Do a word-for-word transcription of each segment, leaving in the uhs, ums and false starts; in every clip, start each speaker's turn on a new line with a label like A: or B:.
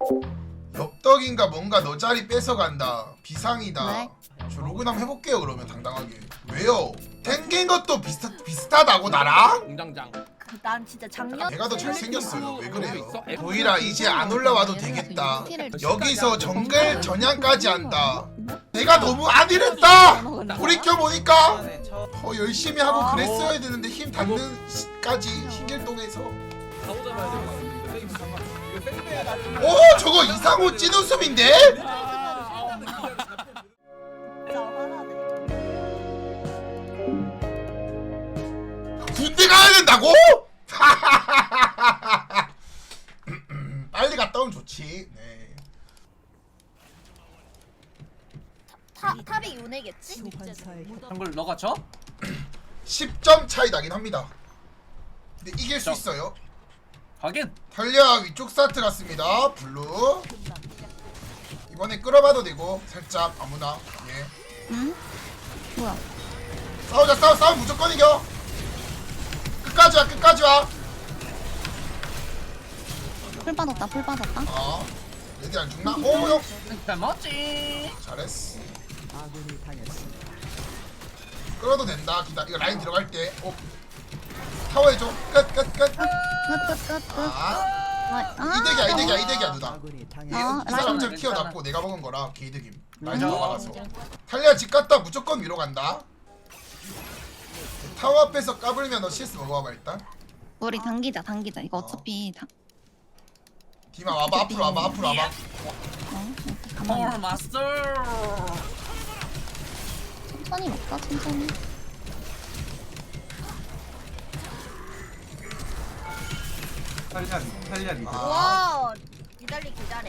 A: 엽떡인가 뭔가 너 자리 뺏어간다. 비상이다.
B: 왜?
A: 저 로그인 한번 해볼게요 그러면 당당하게. 왜요? 생긴 것도 비슷, 비슷하다고 나랑?
C: 공장장.
B: 그, 난 진짜 작년
A: 내가 더 잘생겼어요. 왜 그래요?
C: 있어?
A: 도일아 이제 안 올라와도 되겠다. 여기서 정글 전향까지 한다. 내가 너무 안 이랬다. 돌이켜보니까 더 열심히 하고 그랬어야 되는데 힘 닿는 시까지 신길동에서.
C: 가오 잡아야 돼. 이거 생배야 나.
A: 오 저거 이상호 찐웃음인데? 군대 가야 된다고? 빨리 갔다 오면 좋지. 네.
B: 타, 탑이 요네겠지?
C: 한걸 너가 쳐?
A: 십 점 차이 나긴 합니다. 근데 이길 수 있어요.
C: 하긴.
A: 탈리아 위쪽 스타트 같습니다. 블루. 이번에 끌어봐도 되고 살짝 아무나. 예.
B: 응? 뭐야?
A: 싸우자 싸우 싸움 무조건 이겨. 끝까지 와 끝까지 와.
B: 풀 빠졌다 풀 빠졌다.
A: 어. 레디 안 죽나? 오 형.
C: 잘 먹지.
A: 잘했어. 끌어도 된다. 기다. 이거 라인 들어갈 때. 오. 타워 해줘. 끝 끝 끝.
B: 끝끝끝끝.
A: 아.
B: 아,
A: 이득이야 이득이야 이득이야 누나. 이,
B: 어,
A: 이 사람 잘
C: 라인
A: 키워놨고 내가 먹은 거라 개이득임. 라인
C: 맞아.
A: 들어가서. 탈리아 집 갔다 무조건 위로 간다. 타워 앞에서 까불면 너 씨에스 먹어봐봐 일단.
B: 우리 당기자 당기자 이거 어차피 다.
A: 디마 와봐 앞으로 와봐 앞으로 와봐.
B: 어?
C: 폴
B: 가만히
C: 마스터.
B: 천천히 먹자 천천히.
D: 탈리아리 탈리아리
A: 아.
B: 와 기다리 기다려.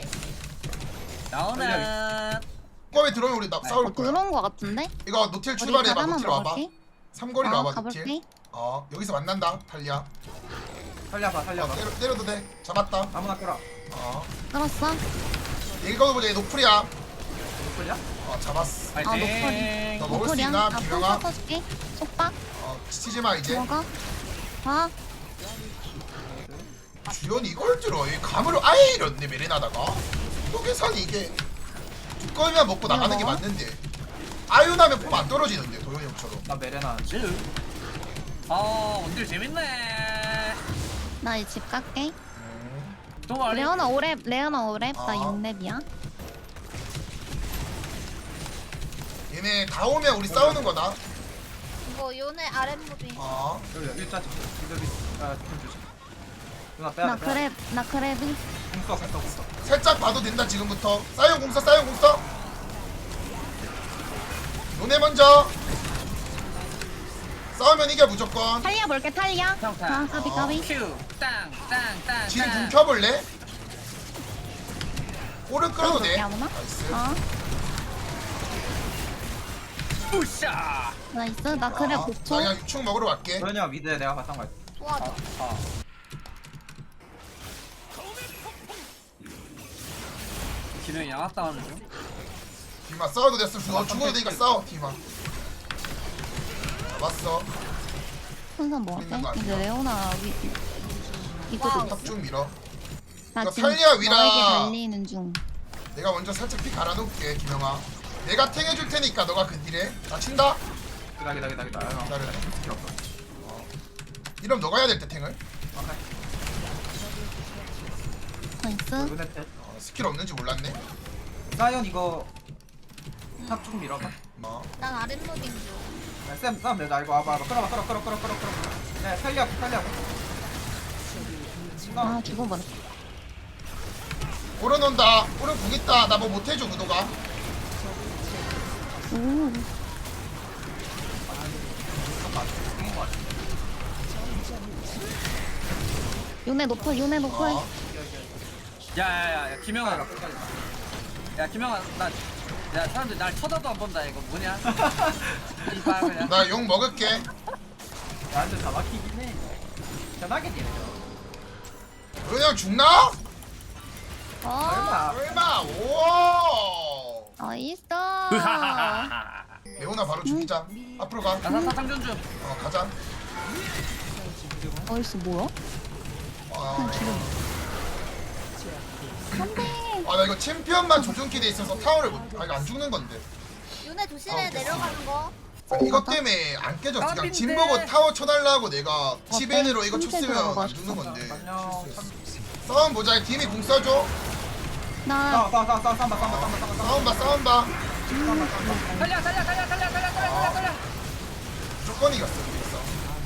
C: 나오나.
A: ቋ에 들어오면 우리 나 싸울
B: 어,
A: 거야.
B: 들어온 거 같은데?
A: 이거 노틸
B: 우리
A: 출발해봐
B: 바다만
A: 노틸 와봐.
B: 먹을게.
A: 삼거리로
B: 어,
A: 와봐
B: 가볼게.
A: 노틸. 어 여기서 만난다 탈리아.
D: 탈리아봐
A: 어,
D: 탈리아봐
A: 때려, 때려도 돼. 잡았다.
D: 아무나 끌어
A: 어
B: 끌었어?
A: 읽어보자 얘 노플이야.
D: 끌냐?
A: 어 잡았어.
B: 아 노플이.
C: 파이팅.
A: 너 먹을 수
B: 노플이야?
A: 있나
B: 아, 풀
A: 김영아?
B: 써줄게. 속박
A: 어 치지마 이제.
B: 들어가. 아
A: 주연이 이걸 들어. 얘 감을 아예 잃었네 메레나다가. 또 계산이 이게 두꺼이만 먹고 나가는 게
B: 이거?
A: 맞는데. 아유나면 폼 안 떨어지는데 도현이 형처럼.
D: 나 메레나
C: 질. 아 원딜 재밌네.
B: 나 이 집 갈게.
C: 좀 알리.
B: 레오나 오랩 레오나 오랩 나
A: 아.
B: 육 랩이야.
A: 얘네 다 오면 우리 싸우는 거다.
B: 이거 요네 아랫무비.
A: 어
D: 여기 일자 여기 아좀 주시 누나 빼야
B: 나
D: 돼 빼야
B: 그랩 나 그랩이.
D: 공써 공써 공써
A: 살짝 봐도 된다 지금부터. 사이언 공사 사이언 공사. 노네 먼저. 싸우면 이겨 무조건.
B: 탈리아 볼게 탈리아.
C: 평타.
B: 아 까비
A: 어.
B: 까비.
C: 큐. 땅. 땅. 땅.
A: 지금 궁
C: 땅.
A: 켜볼래? 오른 끌어도
B: 끌어볼게,
A: 돼.
B: 아무나?
A: 나이스.
B: 어
C: 우샤.
B: 나이스 나 그랩
A: 아,
B: 오 초.
A: 나 그냥 유충 먹으러 갈게.
D: 도현이가 미드 내가 바탕 갈게
B: 도와줘.
C: 아. 기능이 양악당하는 중.
A: 디마 싸워도 됐어. 너 죽어도 되니까 싸워 디마. 잡았어.
B: 순선 뭐
A: 있는 거
B: 어때?
A: 아니야?
B: 이제 레오나 위 이거
A: 탑 좀 밀어.
B: 나
A: 이거
B: 지금
A: 탈리아 위라.
B: 너에게 달리는 중.
A: 내가 먼저 살짝 피 갈아놓을게 김영아. 내가 탱 해줄 테니까 너가 그 딜해. 나 친다.
D: 기다 기다 기다 기다
A: 기다려.
D: 필요 없어
A: 이러면 너가 해야 될 때 탱을.
D: 오케이
B: 나이스.
D: 루네테
A: 어, 스킬 없는지 몰랐네.
D: 사이언 이거 탑 좀 밀어봐
A: 뭐.
B: 난 아랫무빙 중.
D: 야, 쌤 싸움 내나 이거 와봐 와봐 끌어봐 끌어 끌어 끌어 끌어 끌어 네 탈리아 탈리아
B: 아 죽어버렸어.
A: 오른 온다. 오른 궁 있다. 나 뭐 못해줘 구도가.
B: 오. 요네 노플 요네 노플.
A: 어.
C: 야야야 야, 김영아. 야 김영아 나. 야 사람들 날 쳐다도 안 본다 이거 뭐냐? 이봐 그냥.
A: 나 욕 먹을게.
D: 나한테 다 막히긴 해 편하게 딜해
A: 그냥 죽나?
B: 어.
D: 얼마
A: 설마. 오.
B: 나이스.
A: 레오나 바로 죽이자. 앞으로 가.
C: 나사사 상전 중.
A: 어 가자.
B: 나이스 뭐야?
A: 와.
B: 그냥 죽여. 안돼.
A: 아 나 이거 챔피언만 조준키 돼 있어서 타워를 못. 아 이거 안 죽는 건데.
B: 윤혜 조심해 내려가는 거.
A: 이것 때문에 안 깨졌지. 그냥
C: 까비인데.
A: 진 보고 타워 쳐달라고 내가 치벤으로 이거
B: 흰색
A: 쳤으면
B: 들어가고
A: 안 죽는 건데.
D: 안녕.
A: 싸움 보자. 팀이 궁 써줘.
B: 나
D: 싸워 싸워 싸워 싸워 싸워 싸워 싸워 싸워 싸워.
A: 싸움 봐 싸움 봐.
C: 달려 달려 달려 달려 달려 달려 달려.
A: 무조건 이겼어. 이겼어.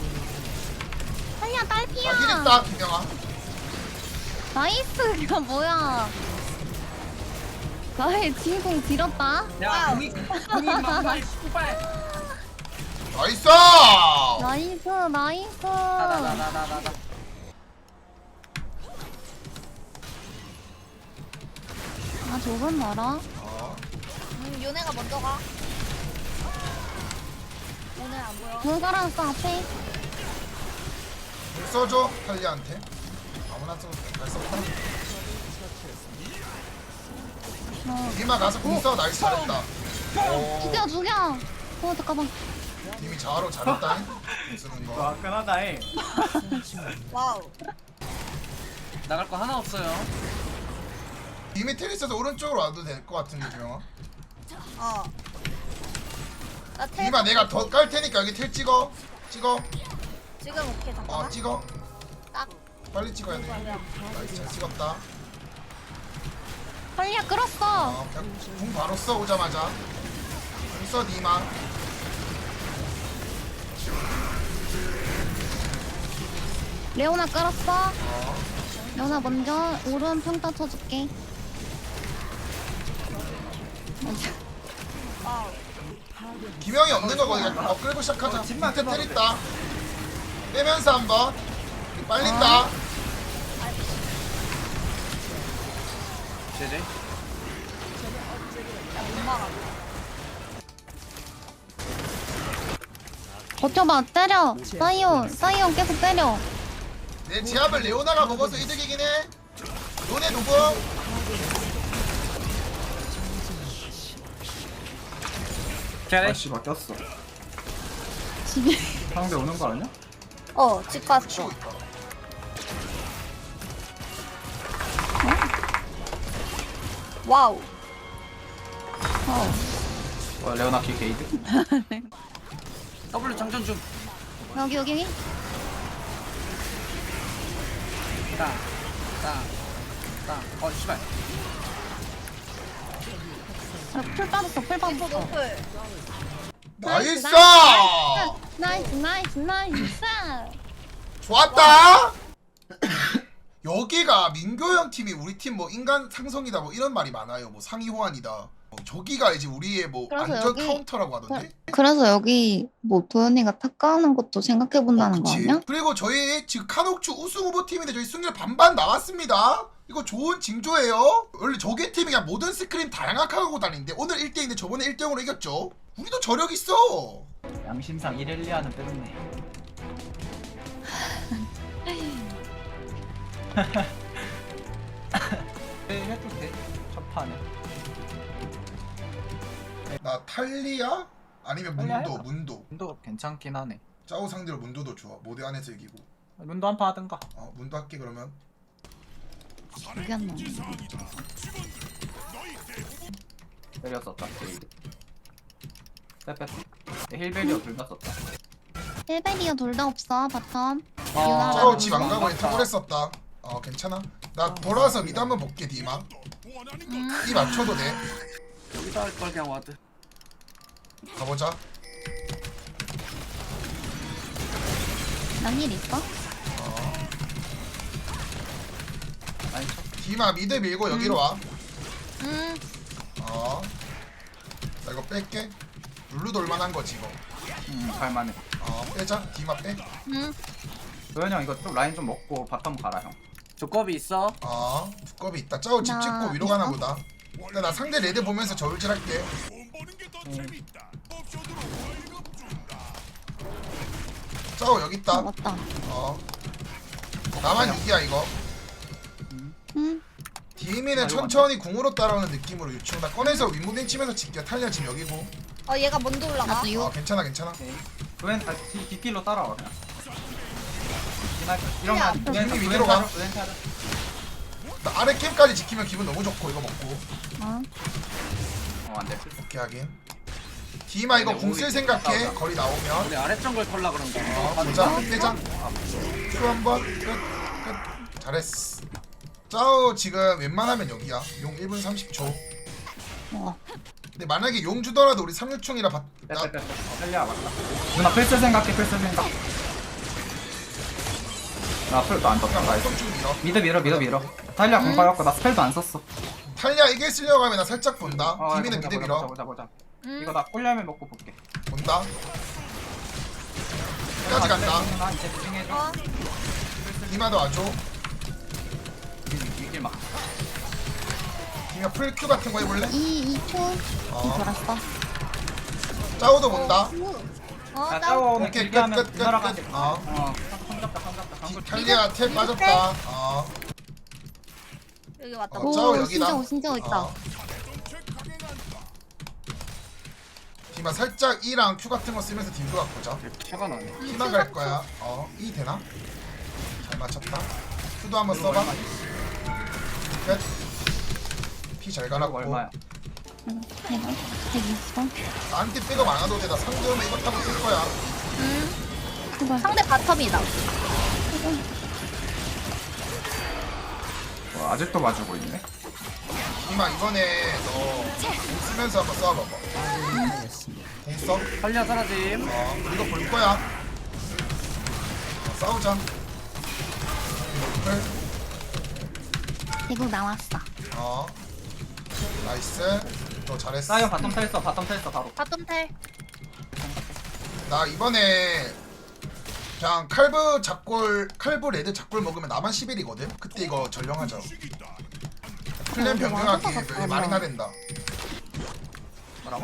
B: 살려 딸피야.
A: 아 힐했다 김영아.
B: 나이스 이거 뭐야? 나의 진공 길었다.
C: 야 공이 공이 막말 씨발.
A: 나이스.
B: 나이스 나이스.
C: 나나나나나나.
B: 아 조금 멀어.
A: 어.
B: 음 윤혜가 먼저 가. 윤혜 안 보여. 물 깔았어 앞에.
A: 궁 써줘 탈리아한테. 아무나 써도 돼. 잘 썼다.
B: 어.
A: 이마 가서 궁 써. 나이스 잘했다. 오.
B: 죽여 죽여. 어 잠깐만.
A: 님이 자아로 잘했다. 궁 쓰는 거.
D: 와끈하다잉.
B: 와우.
C: 나갈 거 하나 없어요.
A: 이미 텔 있어서 오른쪽으로 와도 될 것 같은데 김영아.
B: 어. 나 텔.
A: 이마 내가 더 깔 테니까 여기 텔 찍어. 찍어.
B: 지금 오케이
A: 어
B: 잠깐만.
A: 찍어.
B: 딱.
A: 빨리 찍어야 돼. 나이스 잘 찍었다.
B: 빨리야 끌었어.
A: 어, 그냥 궁 바로 써 오자마자. 궁 써 니마.
B: 레오나 끌었어.
A: 어.
B: 레오나 먼저 오른 평타 쳐줄게.
A: 김영이 없는 거 거니까 어 끌고 시작하자.
D: 집만
A: 밑에 텔
D: 끊어도
A: 있다. 빼면서 한번. 빨린다.
C: 제제.
B: 버텨봐 때려. 사이온 사이온 계속 때려.
A: 내 제압을 레오나가 먹어서 이득이긴 해. 요네 누구?
C: 잘해.
D: 아씨 바뀌었어.
B: 집에.
D: 상대 오는 거 아니야?
B: 어, 집 갔어.
A: 치고 있다.
B: 와우. 어.
D: 와 레오나 키 게이드.
C: W 장전 중.
B: 여기 여기 여기.
C: 땅. 땅. 땅. 어 씨발.
B: 아, 풀 빠졌어. 풀 빠졌어.
A: 나이스!
B: 나이스 나이스 나이스.
A: 좋았다. 여기가 민교 형 팀이 우리 팀 뭐 인간 상성이다 뭐 이런 말이 많아요. 뭐 상위 호환이다. 어, 저기가 이제 우리의 뭐
B: 그래서
A: 안전
B: 여기-
A: 카운터라고 하던데.
B: 그래서 여기 뭐 도현이가 탁 까는 것도 생각해 본다는 거
A: 그치.
B: 아니야?
A: 그리고 저희 지금 카녹추 우승 후보 팀인데 저희 승률 반반 나왔습니다. 이거 좋은 징조예요. 원래 저기 팀이 그냥 모든 스크림 다 양악하고 다니는데 오늘 일 대 이인데 저번에 일 대 영으로 이겼죠. 우리도 저력 있어.
D: 양심상 일, 일, 이 하는 때문에. 네, 해도 돼. 첫 판에.
A: 나 탈리아? 아니면
D: 탈리아
A: 문도
D: 해봐.
A: 문도.
D: 문도 괜찮긴 하네.
A: 짜오 상대로 문도도 좋아. 모드 안에서 이기고.
D: 문도 한 판 하든가.
A: 어 문도 할게 그러면.
B: 기억이 안 나.
D: 때렸었다. 게이드. 빼빼. 힐베리어 둘 다 썼다.
B: 힐베리어 둘 다 없어 바텀.
C: 아,
A: 짜오 집 안 가고 인터뷰를 했었다. 어 괜찮아. 나 돌아와서 미드 한번 볼게 디마.
B: 음.
A: 이 맞춰도 돼.
C: 여기다 할 걸 그냥 와드.
A: 가보자.
B: 난일 있어?
A: 어
D: 아니 쳐.
A: 디마 미드 밀고 여기로 와.
B: 응.
A: 어. 나 이거 뺄게. 룰루 돌만한 거지 이거.
D: 음, 갈만해.
A: 어 빼자. 디마 빼.
B: 응.
D: 도현이 형 이거 좀 라인 좀 먹고 바텀 가라 형.
C: 조겁이 있어.
A: 어 두꺼비 있다. 짜오 집
B: 나
A: 찍고 위로 가나
B: 있어?
A: 보다. 근데 나 상대 레드 보면서 저울질 할게. 짜오 여기
B: 아
A: 있다.
B: 맞다.
A: 어. 나만 이기야 이거.
B: 응.
A: 디미는 천천히 궁으로 따라오는 느낌으로 유충. 나 꺼내서 윗무빙 치면서 지켜. 탈리아 지금 여기고.
E: 어 얘가 먼저 올라가.
B: 나도 유.
A: 어 괜찮아 괜찮아.
D: 오케이. 도현 아, 뒤, 뒷길로 따라와 그냥. 이날 이러면
A: 야,
D: 도현
A: 형님
D: 도현
A: 위로 가.
D: 타자, 도현 타자.
A: 나 아래 캠까지 지키면 기분 너무 좋고 이거 먹고.
B: 어.
D: 어 안돼.
A: 오케이 하긴. 디마 이거 궁 쓸 생각해. 거리 나오면.
C: 우리 아래 정글 털라 그런 거.
A: 어, 보자. 빼자. 큐 한번. 끝. 끝. 잘했어. 짜오 지금 웬만하면 여기야. 용 일 분 삼십 초.
B: 어.
A: 근데 만약에 용 주더라도 우리 삼육충이라 바... 나...
D: 빼빼빼. 살려 맞다. 누나 필수 생각해 필수 생각. 나 풀도 안 떴다. 나이스.
A: 삼육충 밀어.
D: 미드 밀어 미드 밀어. 달리아 공 빠졌고 나 스펠도 안 썼어.
A: 탈리아 이길 쓰려고 하면 나 살짝 본다.
D: 어,
A: 디미는
D: 보자,
A: 미드
D: 보자,
A: 밀어.
D: 보자 보자 보자.
E: 음.
D: 이거 나 꿀열매 먹고 볼게.
A: 본다. 끝까지 간다.
D: 나 이제 집중해줘.
E: 어.
A: 디마도 와줘.
D: 이길 막.
A: 디마 풀큐 같은 거 해볼래?
B: 이, 이 초.
A: 어.
B: 돌았어.
A: 짜오도 본다.
E: 어,
D: 야
E: 나
D: 짜오 오늘
A: 오케이,
D: 길게
A: 끝,
D: 하면
A: 끝, 끝,
D: 누나랑
A: 끝.
D: 하지.
A: 어.
D: 어. 성 잡다 성 잡다.
A: 디-
D: 성
A: 탈리아 탭 빠졌다. 어.
E: 여기 왔다.
A: 어, 짜오
B: 오,
A: 여기다.
B: 신정, 신정 있다.
A: 어. 디마 살짝 E랑 Q 같은 거 쓰면서 딜도 갖고자.
C: 차가 나네.
A: E만 갈 거야. 어. E 되나? 잘 맞췄다. Q도 한번 써봐. 끝. P 잘
D: 이거
A: 갈았고.
D: 얼마야?
B: 응, 내가 백이십오.
A: 나한테 백업 안 와도 돼. 나 상대면 이거 타고 쓸 거야.
E: 음.
B: 그걸.
E: 상대 바텀이다.
D: 어, 아직도 맞추고 있네.
A: 이마 이번에 너공 쓰면서 한번 써봐봐. 공 써?
C: 탈리아 사라짐.
A: 어, 이거 볼 거야. 어, 싸우자. 이거
B: 대국 나왔어.
A: 어. 나이스. 너 잘했어.
D: 사이언 바텀 텔어 바텀 텔어 바로.
E: 바텀 텔.
A: 나 이번에 그냥 칼브 작골, 칼브 레드 작골 먹으면 나만 십 일이거든? 그때 이거 전령하자. 클랜
B: 어,
A: 변경하기
B: 맞아, 맞아.
A: 왜 말이나 된다.
D: 뭐라고?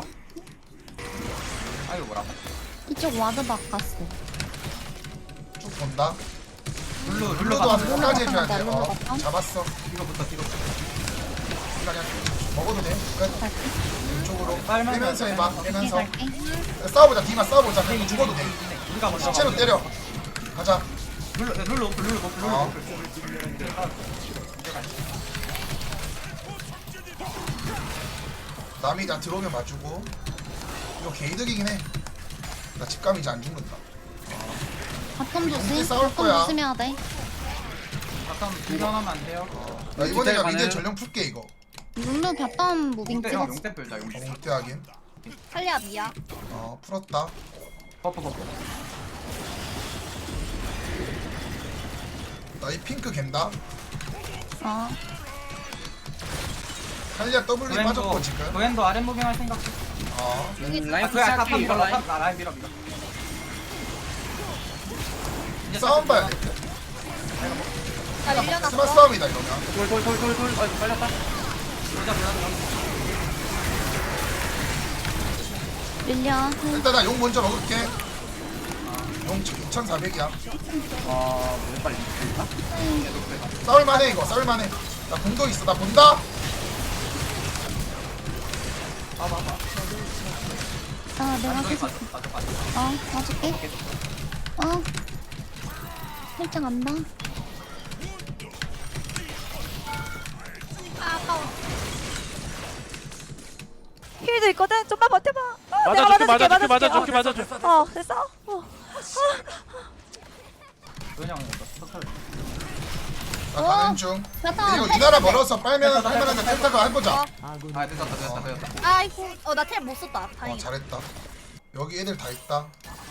D: 아이고 뭐라고?
B: 이쪽 와드 바꿨어.
A: 쭉 본다.
D: 룰루 룰루
A: 룰루도 한
D: 바텀.
A: 끝까지 해줘야 돼.
B: 룰루
A: 어,
B: 바텀.
A: 잡았어.
D: 이거부터 이거부터.
A: 그냥 먹어도 돼. 끝.
B: 갈게.
A: 이쪽으로
D: 빨면
A: 빼면서 해봐.
B: 갈게,
A: 빼면서.
B: 갈게.
A: 싸워보자. 디마 싸워보자. 그냥 죽어도 돼.
D: 우리가 먼저
A: 시체로
D: 가자.
A: 때려. 가자.
D: 룰루 룰루 룰루 룰루 룰루.
A: 어. 남이 나 들어오면 봐주고. 이거 개이득이긴 해. 나 집감 이제 안 죽는다.
B: 바텀
A: 이제
B: 조심.
A: 싸울
B: 바텀
A: 거야.
B: 조심해야 돼.
D: 잠깐 분산하면 안 돼요.
A: 나 이번에 나
C: 가는-
A: 미드 전령 풀게 이거.
B: 룰루 바텀 무빙
D: 용대 형
B: 찍었어.
D: 용대 불자 용대.
A: 공대 하긴.
E: 탈리아 미야.
A: 어 풀었다.
D: 버프 버프.
A: 나 이 핑크 갠다.
B: 어.
A: 탈리아 W 빠졌고 지금.
D: 도엔도 아랫 무빙할 생각.
A: 어.
E: 여기
C: 음, 라인
D: 아, 그야
C: 푸시할게
D: 탑
C: 이거
D: 밀어
C: 라인.
D: 탑 나 라인 밀어 밀어. 이제
A: 싸움 봐야 돼.
E: 나 밀려났어.
A: 스마 싸움이다 이러면.
C: 돌돌돌돌돌. 아이고 빨렸다.
D: 보자 보자 보자.
B: 릴려.
A: 일단 나 용 먼저 먹을게. 용 이천사백이야.
C: 와, 왜 빨리 죽나?
A: 싸울만해 이거. 싸울만해. 나 공도 있어. 나 본다.
D: 봐봐봐.
B: 아, 내가 계속.
D: 맞아 맞아.
B: 어, 봐줄게. 어. 살짝 안다.
E: 아, 아까워. 힐도 있거든. 좀만 버텨봐. 어,
F: 맞아줄게
E: 내가
F: 맞아줄게
E: 맞아줄게.
F: 맞아줄게 맞아줄게
E: 어, 됐어. 어.
D: 도현 형이 이거 터트려.
A: 나
B: 어.
A: 가는 중. 근데
B: 바텀.
A: 이거 이 나라 멀어서 빨면 빨면은 텔타가 해보자.
E: 어.
D: 아 됐다 됐다 됐다.
E: 아이고. 어, 나 텔 못 썼다.
A: 어
E: 다행이다.
A: 잘했다. 여기 애들 다 있다.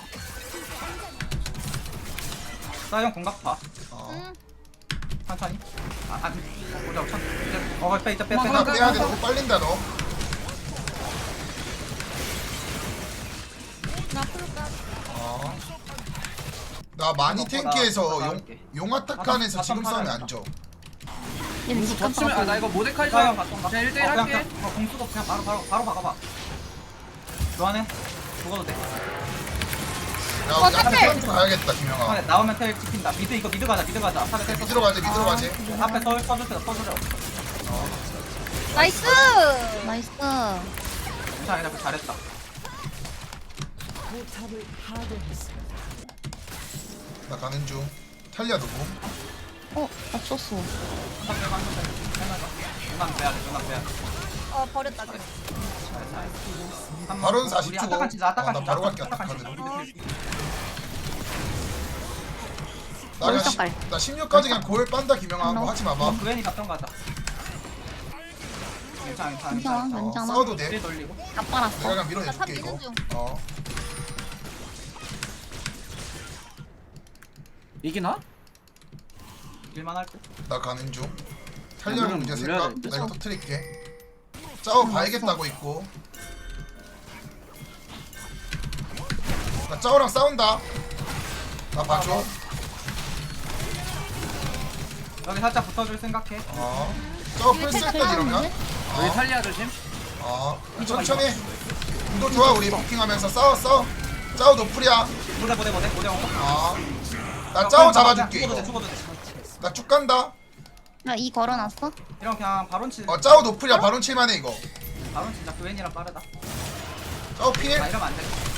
D: 사이언 공각 봐.
A: 어.
E: 응.
D: 천천히. 아 아니. 보자 천. 이제 어 빼, 이제 빼, 빼.
A: 나 빼야 돼. 너무 빨린다 너.
E: 나 풀까?
A: 어. 나 많이 탱키해서 용 용아타칸에서 지금 싸우면 안 져.
B: 얘는
C: 저
B: 직접
C: 치면 아 나 이거 모데카이
D: 사이언
C: 좀
D: 바텀 가.
C: 그냥 일 대일
D: 어, 그냥,
C: 할게.
D: 그냥, 어, 공수도 그냥 바로 바로 바로 박아봐. 좋아하네. 죽어도 돼.
A: 야,
E: 어,
A: 우리 앞에
E: 탑텔!
A: 사람 좀 가야겠다, 김영아.
D: 아, 나오면 텔 찍힌다. 미드 이거 미드 가자 미드 가자. 앞에 텔
A: 미드로 가지, 미드로 가지.
D: 앞에 서 서주세요 서주세요.
E: 나이스.
B: 나이스.
D: 괜찮아 괜찮아 잘했다.
A: 나 가는 중. 탈리아 누구?
B: 어, 맞췄어.
D: 한번 빼고 한번 빼고. 해놔줘. 누나 빼야 돼. 누나 빼야 돼.
E: 어 버렸다. 그래.
D: 잘, 잘. 한 번.
A: 바론
D: 우리
A: 사십 초.
D: 아타칸 치자. 아타칸
A: 어, 나
D: 치자.
A: 바로 갈게,
D: 아타칸
A: 아타칸으로.
D: 치자.
A: 나 그냥
B: 어디서
A: 시-
B: 깔?
A: 나 십육까지 그냥 고열 빤다 김영아. 뭐 하지 마봐.
D: 어, 그웬이 갔던 거 같다. 괜찮아, 괜찮아,
B: 괜찮아,
D: 괜찮아.
A: 어,
B: 괜찮아.
A: 싸워도
D: 딜
A: 돼.
D: 돌리고.
B: 다 빨았어.
A: 내가 그냥
E: 나
A: 밀어내줄게
E: 탑
A: 이거.
E: 미는 중.
A: 어.
C: 이기나?
D: 일만 할 듯.
A: 나 가는 중. 탄력
C: 그냥
A: 문제
C: 물려야
A: 생각.
C: 될 듯?
A: 나 이거 터트릴게. 짜오 봐야겠다고 있고. 나 짜오랑 싸운다. 나 봐줘.
D: 여기 살짝 붙어줄 생각해.
A: 어. 짜오 풀셋 때 이러면.
C: 여기
A: 어.
C: 탈리아 조심.
A: 어. 천천히. 운도 좋아 우리 부킹하면서 싸워 싸워. 짜오 노플이야.
D: 보대, 보대, 보대, 보대.
A: 어. 나 짜오 잡아줄게
D: 죽어도 돼,
A: 이거.
D: 죽어도 돼.
A: 나 쭉 간다.
B: 나 이 걸어놨어?
D: 이런 그냥 바론 치.
A: 어 짜오 노플이야 바론 칠만해 이거.
D: 바론 진짜 그웬이랑 빠르다.
A: 짜오 필.
D: 나 이러면 안 돼.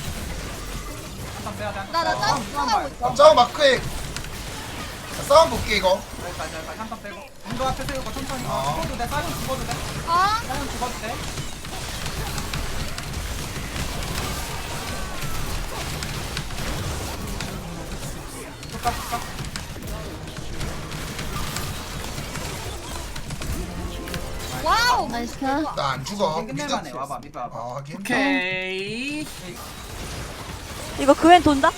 D: 한번 빼야 돼. 한
E: 나나
D: 번.
E: 짜
D: 어, 한번
E: 싸우고
D: 봐.
E: 있어.
A: 어, 짜오 마크에. 나 싸움 볼게 이거.
D: 여기까지, 여기까지 한번 빼고. 운도 앞에 세우고 천천히. 어,
A: 어.
D: 죽어도 돼. 사이언 죽어도 돼.
E: 아
D: 사이언 죽어도 돼. tukar tukar.
E: 와우.
B: 나이스.
A: 나 안 죽어. 미드.
D: 끝낼만해. 와봐, 미드 와봐.
A: 아 하긴.
C: 오케이.
E: 이거 그웬 돈다?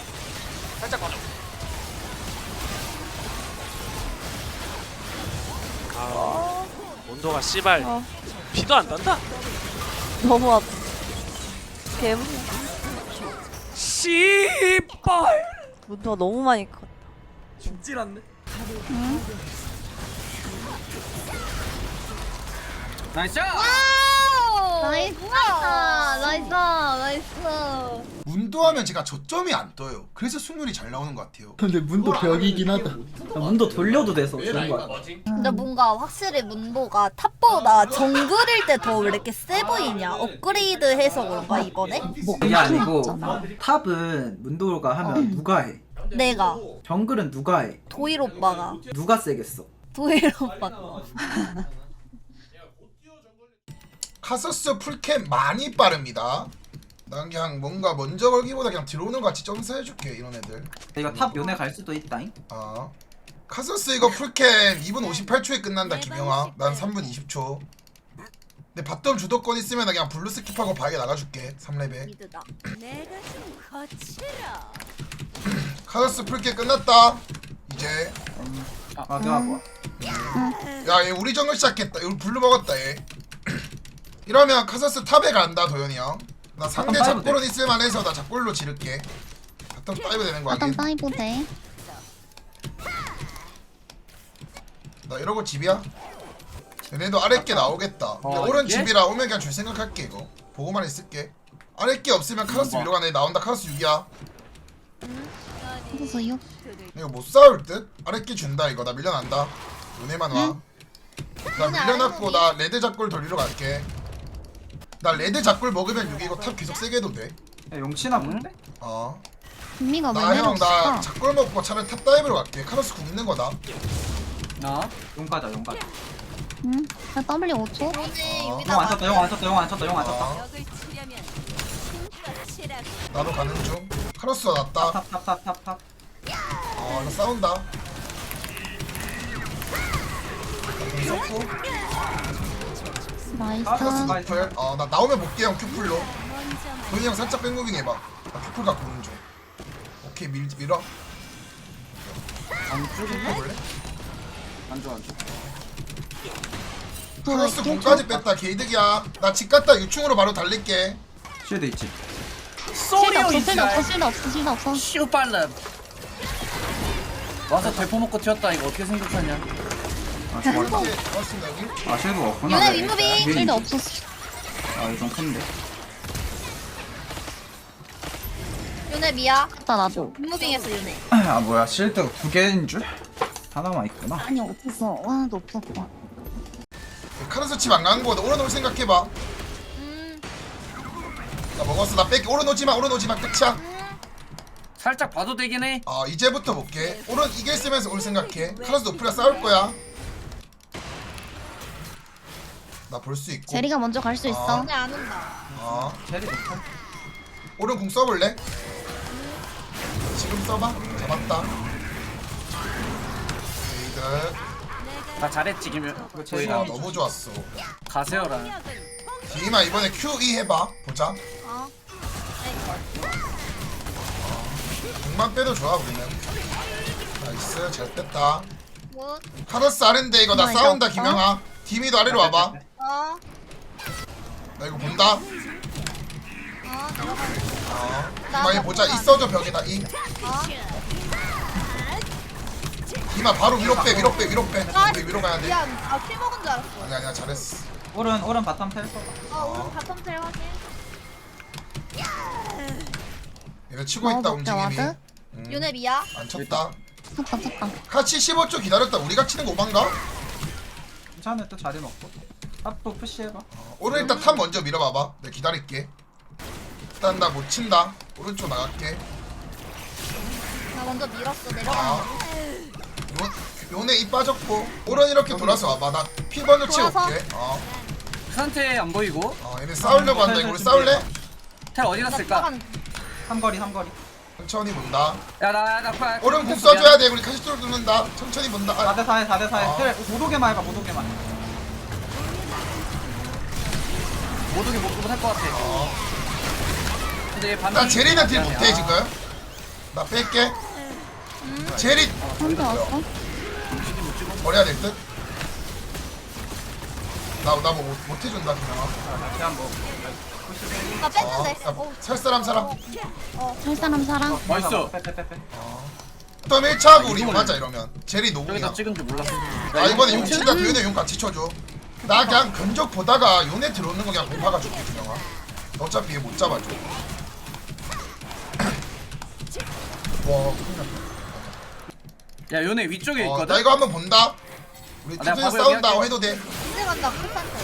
F: 아, 온도가 씨발
E: 어.
F: 비도 안 난다.
E: 너무 아파. 개무.
F: 씨발.
E: 문도가 너무 많이 컸.
F: 죽질 않네.
C: 나이스.
E: 와우.
B: 나이스. 나이스. 나이스.
A: 문도하면 제가 저점이 안 떠요. 그래서 승률이 잘 나오는 것 같아요.
G: 근데 문도 벽이긴 하다. 문도 돌려도 돼서 좋은 거야.
E: 근데 뭔가 확실히 문도가 탑보다 정글일 때 더 왜 이렇게 세 보이냐? 업그레이드해서 그런가 이번에?
G: 뭐
D: 그게 아니고
B: 맞잖아.
D: 탑은 문도가 하면 누가 해?
E: 내가
D: 정글은 누가 해?
E: 도일 오빠가
D: 누가 세겠어?
E: 도일 오빠가.
A: 카서스 풀캠 많이 빠릅니다. 난 그냥 뭔가 먼저 걸기보다 그냥 들어오는 거 같이 점수해줄게 이런 애들.
D: 이거 탑 요네 갈 수도 있다잉.
A: 아 카서스 이거 풀캠 이 분 오십팔 초에 끝난다 김영아. 난 삼 분 이십 초. 근데 바텀 주도권 있으면 나 그냥 블루 스킵하고 바에 나가줄게 삼 레벨.
E: 미드다. 내가 좀 거칠어.
A: 카서스 풀캠 끝났다. 이제
D: 아, 내가 뭐?
A: 야얘 우리 정글 시작했다. 이거 블루 먹었다 얘. 이러면 카서스 탑에 간다 도현이 형. 나 상대
D: 바텀 다이브
A: 잡골은 있을만해서 나 잡골로 지를게. 바텀 다이브 되는 거
B: 어떤
A: 아니?
B: 다이브 돼?
A: 나 이러고 집이야? 얘네도 아랫게 나오겠다. 근데
C: 어,
A: 오른
C: 이게?
A: 집이라 오면 그냥 줄 생각할게 이거. 보고만 있을게. 아랫게 없으면 카로스
C: 어.
A: 밀러 가네. 나온다 카로스 육이야.
B: 그래서 육.
A: 이거 못 싸울 듯? 아랫게 준다 이거. 나 밀려난다. 은혜만 와. 나 밀려났고 나 레드 작골 돌리러 갈게. 나 레드 작골 먹으면 육이 이거 탑 계속 세게 해도 돼.
D: 야, 용치나 본데?
A: 어.
B: 분미가 왜
A: 나 형 나
B: 내렸을까?
A: 작골 먹고 차라리 탑 다이브로 갈게. 카로스 궁 있는 거다.
C: 어?
D: 용 가자, 용 가자.
B: 응? 나 W 오 초?
E: 오늘
A: 어.
D: 용 안 쳤다, 용 안 쳤다, 용 안 쳤다, 용 안 쳤다.
A: 어. 나도 가는 중. 카로스 났다.
D: 탑, 탑, 탑, 탑, 탑.
A: 어, 나 싸운다. 무섭고.
B: 나이스.
A: 카로스 노플. 어, 나 나오면 볼게 형 큐플로. 도현이 형 살짝 백무빙 해봐. 나 큐플 갖고 오는 중. 오케이 밀 밀어.
C: 안 죽어.
A: 볼래?
C: 안 죽어 안 죽어.
A: 카로스 공까지 뺐다 개이득이야. 나 집 갔다 유충으로 바로 달릴게.
D: 쉴드 있지.
B: 실드 없어, 실드 없어, 실드 없어, 실드 없어.
C: 시우 빨라. 와서 대포 먹고 튀었다. 이거 어떻게 생각하냐?
D: 아, 죽었다.
A: 이제 잡았습니다 여기.
D: 아, 쉴드가 없구나.
E: 요네
D: 네.
E: 윗무빙.
D: 네.
B: 실드 없었어.
D: 아, 이거 좀 큰데.
E: 요네 미야.
B: 갔다 나도.
E: 무빙했어 요네.
D: 아, 뭐야, 쉴드가 두 개인 줄? 하나만 있구나.
B: 아니 없었어. 하나도 없었어.
A: 카로스 집 안 가는 거보다 오른올 생각해봐.
E: 음.
A: 나 먹었어. 나 뺄게. 오른오지마 오른오지마 끝이야.
C: 살짝 봐도 되긴 해.
A: 어 이제부터 볼게. 오른 이길 쓰면서 올 생각해. 카로스 노프리아 싸울 거야. 나 볼 수 있고.
B: 제리가 먼저 갈 수 있어.
E: 근데 안 온다.
A: 어
D: 제리 높아.
A: 오른 궁 써볼래? 지금 써봐. 잡았다. 레이드.
C: 나 잘했지 김현.
D: 이거
A: 아
D: 제리야.
A: 너무 좋았어.
C: 가세요라.
A: 디마 이번에 큐 이 해봐. 보자.
E: 어.
A: 궁만 빼도 좋아 우리는. 나이스 잘 뺐다.
E: 뭐?
A: 카로스 아래인데 이거 나
B: 나 이거
A: 싸운다
B: 없어?
A: 김영아. 디미도 아래로 와봐.
E: 어.
A: 나 이거 본다.
E: 어. 들어가.
A: 어.
E: 나
A: 디마 이 보자. 이
E: 나-
A: 써줘 벽에다 이.
E: 어.
A: 디마 바로 위로 빼 위로 빼 위로 빼.
E: 아,
A: 우리 위로 가야 돼.
E: 미안. 아, 킬 먹은 줄 알았어.
A: 아니 아니야 잘했어.
D: 오른 오른 바텀 텔 거.
E: 어, 우리 바텀 텔 확인.
A: 얘네 치고
B: 어,
A: 있다
B: 먹자,
A: 움직임이.
B: 와드?
A: 음,
E: 요네 미야.
A: 안 쳤다.
B: 잠깐 잠깐.
A: 같이 십오 초 기다렸다. 우리가 치는 거 오만가?
D: 괜찮아 또 자리 먹고. 탑도 푸시해봐.
A: 오른 일단 탑 먼저 밀어봐봐. 내가 기다릴게. 일단 나 못 친다. 오른쪽 나갈게.
E: 나 먼저 밀었어. 내려가.
A: 아. 요, 요네 입 빠졌고. 오른 이렇게 돌아서 와봐. 나 피 먼저 치고
E: 돌아서?
A: 올게. 어.
C: 상태 안 보이고.
A: 어 얘네 싸우려고 한다. 이거 우리 싸울래?
C: 텔 어디 갔을까?
E: 한
D: 삼거리 삼거리.
A: 천천히 본다.
C: 야나나
A: 오른 공 써줘야 돼. 우리 카시토로 듣는다. 천천히 본다. 아,
D: 사 대 사에 사 대 사에
A: 아.
D: 텔 못 오게만 해봐 못 오게만.
C: 못 오게 못 못할 것 같아.
A: 어.
C: 근데 얘 반응.
A: 나 제리는 딜 못해 지금. 나 뺄게. 제리
B: 혼자 왔어?
A: 버려야 될 듯. 나나뭐 못해준다 그냥.
D: 아, 그냥 뭐.
E: 나
A: 어,
E: 뺐는데.
A: 야,
E: 어.
A: 살 사람 사람.
B: 살 사람 사람.
C: 맛있어.
D: 빼빼빼빼.
A: 또 일 차 하고 우리 용하자 이러면. 제리 노공이야.
C: 여기다 찍은 줄 몰랐어.
A: 아 이번에 용 친다. 도윤이 용 같이 쳐줘. 나 그냥 견적 보다가 용에 들어오는 거 그냥 공파가 줄게 준영아. 어차피 얘 못 잡아줘. 와 큰일 났다.
C: 야 요네 위쪽에
A: 어,
C: 있거든.
A: 나 이거 한번 본다. 우리
C: 아, 내가
A: 탑에서
C: 밥을
A: 싸운다
C: 여기
A: 해도 돼.
E: 이제 간다. 풀산테.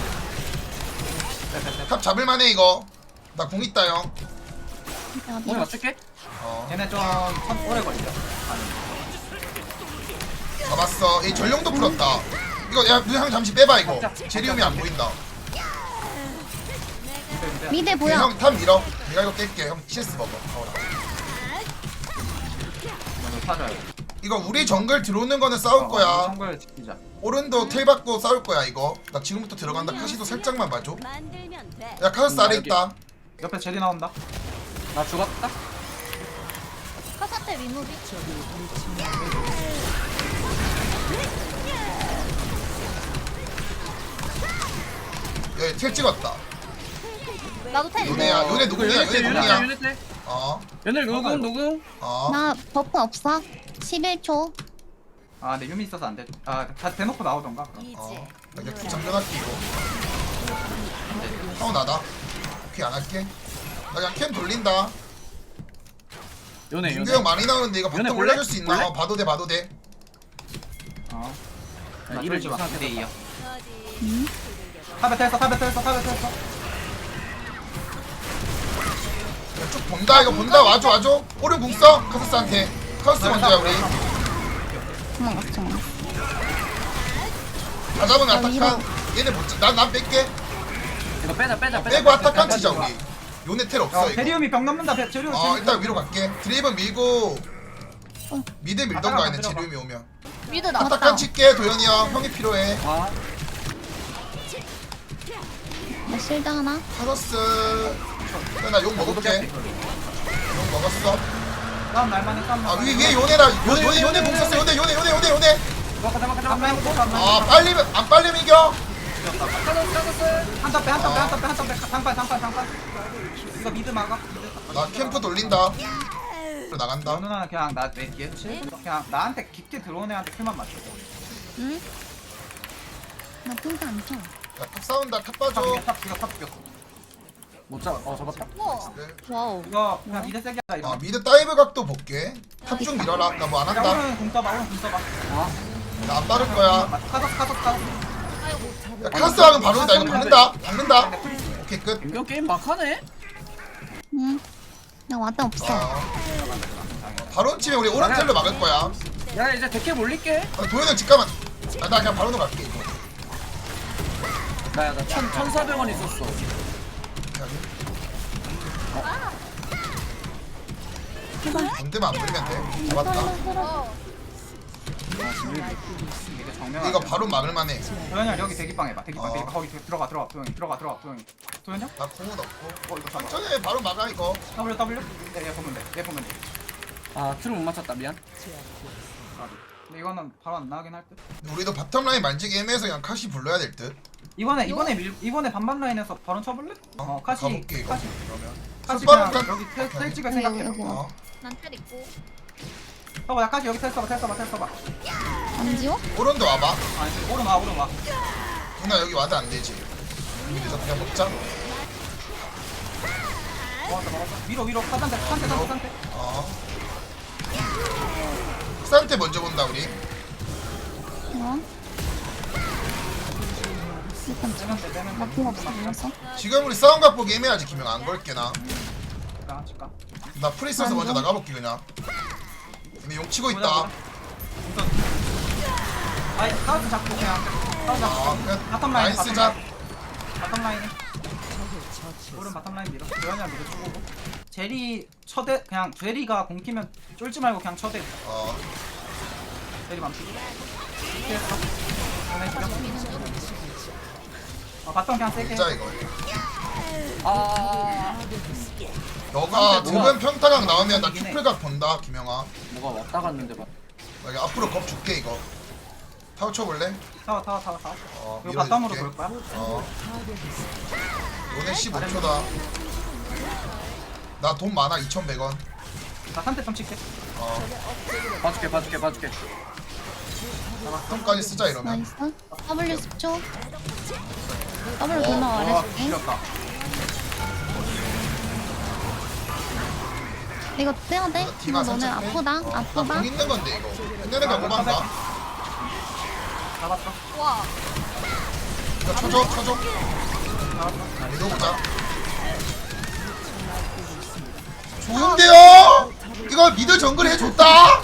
A: 탑 잡을만해 이거. 나 공 있다 형.
C: 오늘 맞출게.
A: 어
D: 얘네 좀 참 오래 걸려.
A: 잡았어. 얘 전령도 풀었다. 이거 야 누형 잠시 빼봐 이거. 제리움이 안 보인다.
B: 미대 보여.
A: 형탑 밀어. 내가 이거 깰게. 형 씨에스 먹어. 어,
D: 사줘야 돼.
A: 이거 우리 정글 들어오는 거는 싸울 거야.
D: 정글 지키자.
A: 오른도 텔 받고 싸울 거야 이거. 나 지금부터 들어간다. 카시도 살짝만 봐줘. 야 카스 아래 있다.
D: 옆에 제리 나온다.
C: 나 죽었다.
E: 카사테 리무비.
A: 야텔 찍었다.
E: 나도 텔.
A: 요네야. 요네 누구냐? 요네 누구냐?
C: 요네 텔.
A: 어.
C: 요네 누구 누구?
A: 어.
B: 나 버프 없어. 십일 초.
D: 아 근데 유미 있어서 안 돼. 아다 대놓고 나오던가. 그럼.
A: 어. 나 그냥 국 잠겨놨기 이거. 형 나다. 오케이 안 할게. 나 그냥 캠 돌린다.
C: 요네
A: 민규
C: 요네.
A: 형 많이 나오는데 이거
C: 요네
A: 바텀
C: 볼래?
A: 올려줄 수 있나?
C: 볼래?
A: 어, 봐도 돼 봐도 돼.
D: 어.
C: 야,
D: 나
C: 이를
D: 쫄지 마.
C: 이상하게
D: 네 이어.
B: 응?
D: 탑에 텔어 탑에 텔어 탑에 텔어.
A: 야, 쭉 본다 이거 본다. 와줘 와줘. 오른 궁 써. 카스스한테. 카스 먼저야 우리.
B: 도망갔어. 도망갔어.
A: 다 잡은
B: 야,
A: 아타칸. 얘네 못 쳐. 난난 뺄게.
C: 이거 빼자 빼자 빼자.
A: 빼고 아타칸 치자 우리. 요네 텔 없어
D: 어,
A: 이거.
D: 제리움이 병 넘는다. 배- 제리움.
A: 어
D: 제리움.
A: 일단 위로 갈게. 드레이븐 밀고 미드 밀던가
D: 아타칸
A: 얘네
D: 들어가.
A: 제리움이 오면.
E: 미드 나.
A: 아타칸 칠게 도현이 형. 형이 필요해.
C: 아
B: 나 실드 하나.
A: 카더스. 나욕 먹을게. 욕 먹었어.
D: 싸움 날만해 싸움
A: 아
D: 날만해.
A: 위, 위에 요네다. 요, 요네 요네 공 썼어. 요네 요네 요네 요네 요네.
C: 잠깐 잠깐 잠깐.
D: 한번 해보고 한번
A: 아 빨리 안 빨리 이겨.
D: 한탑 빼, 한탑 빼, 한탑 빼, 한탑 빼. 장판, 장판, 장판. 이거 미드 막아. 미드.
A: 나 캠프 돌린다. 나간다.
D: 누나는 그냥 나 낼게. 그냥 나한테 깊게 들어온 애한테 킬만 맞춰.
B: 응? 나 핑크 안 쳐.
A: 야, 탑 싸운다. 탑
D: 탑
A: 봐줘.
D: 죽여, 탑 죽여, 탑 죽여.
C: 못 잡. 어 잡았다.
E: 우와.
B: 와우.
D: 이거 그냥 미드 세게 하자
A: 아
D: 이거.
A: 미드 다이브 각도 볼게. 탑 쭉 밀어라. 나 뭐 안
D: 야,
A: 한다.
D: 오른 공 써봐, 오른 공 써봐.
A: 나 안 빠를 거야.
D: 카sos, 카sos, 카sos.
A: 야 카스 하면 바로 온다. 이거 박는다. 박는다. 오케이 끝.
C: 인경 게임 막하네.
B: 응. 나 와드 없어.
A: 어. 바론 치면 우리 오른텔로 막을 거야.
C: 야 이제 데캡 올릴게.
A: 아, 도현은 집가만. 아, 나 그냥 바론으로 갈게. 이거.
C: 나야 나 천, 천사백 원 있었어.
A: 반대만 안 물리면 돼. 잡았다.
D: 이게 정면.
A: 이거 바론 막을만해.
D: 도현이 형 여기 대기방 해봐. 대기방
A: 어.
D: 대기방 거기 들어가 들어가 도현이 들어가 들어가 도현이. 도현 형?
A: 나 공은 없고.
D: 어 이거 잡아.
A: 천천히 바론 막아 이거.
D: W W. 얘, 얘 보면 돼. 얘 보면 돼.
C: 아 트를 못 맞췄다 미안.
D: 근데 이거는 바로 안 나가긴 할 듯.
A: 우리도 바텀 라인 만지기 애매해서 그냥 카시 불러야 될 듯.
D: 이번에 이번에 밀 이번에 반반 라인에서 바로 쳐볼래? 어 카시
A: 가볼게 이거.
D: 카시
A: 그러면.
D: 카시
A: 바로
D: 그냥
A: 가-
D: 여기 텔, 텔 찍을
B: 여기,
D: 생각해.
B: 여기.
A: 어.
E: 난텔 있고.
D: 봐봐 야 카시 여기 텔 써봐 텔 써봐 텔 써봐.
B: 안 지워?
A: 오른도 와봐.
D: 아니 오른 와 오른 와.
A: 누나 여기 와도 안 되지. 그래서 그냥 먹자.
D: 먹었어 먹었어. 위로 위로 사단테 사단테 사단테 사단테.
A: 어. 싼테 먼저 본다 우리.
B: 어? 일단
D: 빼면 돼 빼면 돼.
B: 막힘 없어 그래서.
A: 지금 우리 싸움 각 보기 애매하지 김영 안 걸게 나.
D: 칠까 칠까.
A: 나 프리스에서 먼저 나가볼게 그냥. 근데 용 치고 있다.
D: 우선. 아니 카우스 잡고 그냥 카우스 잡고.
A: 어, 그냥
D: 바텀 라인
A: 라인
D: 바텀
A: 쓰자.
D: 라인. 바텀 라인에. 오른 바텀 라인 밀어. 도현이랑 밀어 주고. 제리 쳐대 그냥 제리가 공키면 쫄지 말고 그냥 쳐대.
A: 어.
D: 제리 맘피. 이렇게 했어. 보내 주려. 어 바텀 그냥 세게.
A: 진짜 이거.
C: 아
A: 너가
C: 뭐가-
A: 드변 평타각 나오면 나 큐플각 본다 김영아.
C: 뭐가 왔다 갔는데 막.
A: 나 이거 앞으로 겁 줄게 이거. 타워 쳐볼래?
D: 타워 타워 타워 타워.
A: 어.
D: 이거 바텀으로
A: 밀어줄게.
D: 볼 거야?
A: 어. 오늘 십오 초다. 나 돈 많아 이천백 원.
D: 나 산태 좀 칠게.
A: 어.
C: 봐줄게 봐줄게 봐줄게.
A: 손까지 쓰자 이러면.
B: 나이스. W 십 초. W
A: 어,
B: 돌면
D: 와
B: 말해줄게.
D: 밀었다.
B: 이거 떼야 돼? 이거
A: 디마
B: 너네
A: 살짝 빼.
B: 아프다.
A: 어,
B: 아프다.
A: 나공 있는 건데 이거. 끝내는 거 고만가.
D: 잡았어.
E: 와.
A: 이거 쳐줘 쳐줘.
D: 잡았어.
A: 믿어보자. 좋은데요? 이거 미드 정글 해줬다.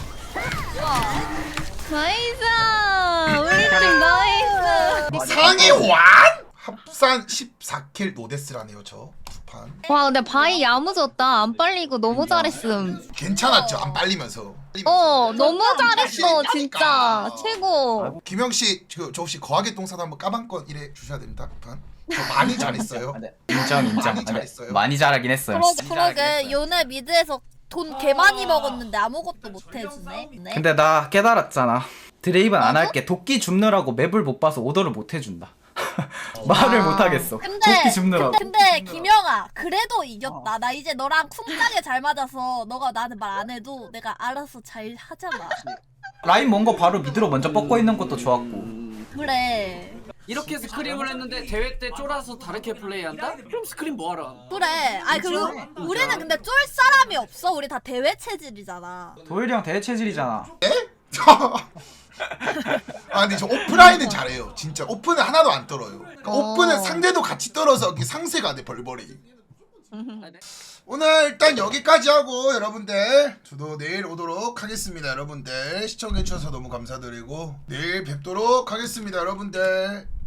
B: 나이스. 우리 팀 나이스.
A: 상위 완? 합산 십사 킬 노데스라네요 저 두 판.
B: 와 근데 바이 야무졌다. 안 빨리고 너무 잘했음.
A: 괜찮았죠 안 빨리면서.
B: 어 너무 잘했어
A: 자신
B: 진짜
A: 있다니까.
B: 최고.
A: 김영 씨, 저, 저 혹시 거하게 똥사도 한번 까방권 이래 주셔야 됩니다. 두 판. 저 많이 잘했어요.
H: 네. 인정 인정.
A: 많이
H: 아, 네.
A: 잘했어요.
H: 많이 잘하긴 했어요.
E: 그러, 그러게 요네 미드에서 돈 개 많이 먹었는데 아무것도 못 해주네. 네.
G: 근데 나 깨달았잖아. 드레이브는 안
E: 어?
G: 할게. 도끼 줍느라고 맵을 못 봐서 오더를 못 해준다. 말을 못 하겠어.
E: 근데
G: 도끼 줍느라고.
E: 근데, 근데 김영아 그래도 이겼다. 나 이제 너랑 쿵짝에 잘 맞아서 너가 나한테 말 안 해도 내가 알아서 잘 하잖아.
G: 라인 먼 거 바로 미드로 먼저 뻗고 있는 것도 좋았고.
E: 그래.
C: 이렇게 스크림을 했는데 대회 때 쫄아서 다르게 플레이한다? 그럼 스크림 뭐하러?
E: 그래. 아니 그리고 우리는 근데 쫄 사람이 없어. 우리 다 대회 체질이잖아.
G: 도일이 형 대회 체질이잖아.
A: 아 근데 저 오프라인은 잘해요. 진짜 오픈은 하나도 안 떨어요. 그러니까
B: 어.
A: 오픈은 상대도 같이 떨어서 이게 상세가 돼 벌벌이. 오늘 일단 여기까지 하고 여러분들 저도 내일 오도록 하겠습니다. 여러분들 시청해주셔서 너무 감사드리고 내일 뵙도록 하겠습니다. 여러분들